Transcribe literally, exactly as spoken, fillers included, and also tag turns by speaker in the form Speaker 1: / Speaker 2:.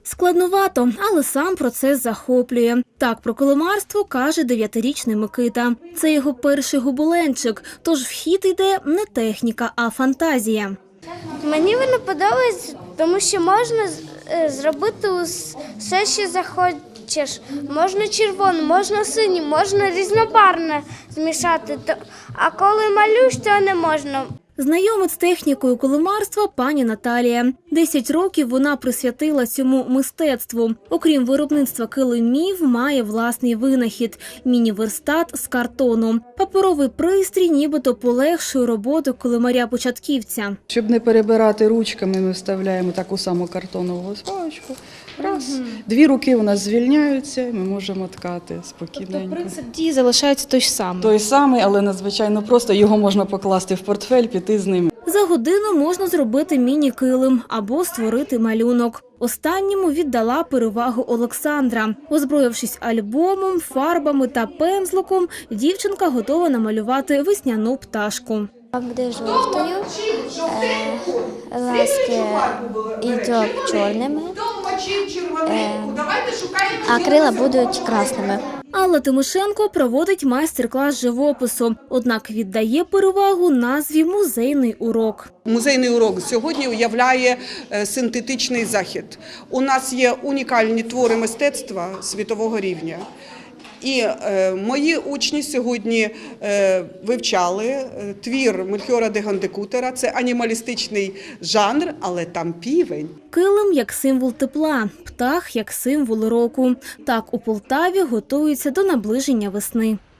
Speaker 1: Складновато, але сам процес захоплює. Так про килимарство каже дев'ятирічний Микита. Це його перший гобеленчик, тож в хід йде не техніка, а фантазія.
Speaker 2: Мені воно подобається, тому що можна зробити все, що захочеш. Можна червоне, можна синє, можна різнобарвне змішати, а коли малюєш, то не можна.
Speaker 1: Знайомить з технікою килимарства пані Наталія. Десять років вона присвятила цьому мистецтву. Окрім виробництва килимів, має власний винахід – міні-верстат з картону. Паперовий пристрій нібито полегшує роботу килимаря-початківця.
Speaker 3: Щоб не перебирати ручками, ми вставляємо таку саму картонову паличку. Раз, угу. Дві руки у нас звільняються, і ми можемо ткати спокійненько.
Speaker 4: Тобто принцип дії залишається той ж самий?
Speaker 3: Той самий, але надзвичайно просто. Його можна покласти в портфель, піти з ним.
Speaker 1: За годину можна зробити міні-килим або створити малюнок. Останньому віддала перевагу Олександра. Озброївшись альбомом, фарбами та пензликом, дівчинка готова намалювати весняну пташку.
Speaker 2: Буде жовтою, е, ласки йдуть чорними, е, а крила будуть красними.
Speaker 1: Алла Тимошенко проводить майстер-клас живопису, однак віддає перевагу назві «Музейний урок».
Speaker 5: Музейний урок сьогодні уявляє синтетичний захід. У нас є унікальні твори мистецтва світового рівня. І е, мої учні сьогодні е, вивчали е, твір Мельхіора де Гандекутера. Це анімалістичний жанр, але там півень.
Speaker 1: Килим як символ тепла, птах як символ року. Так у Полтаві готуються до наближення весни.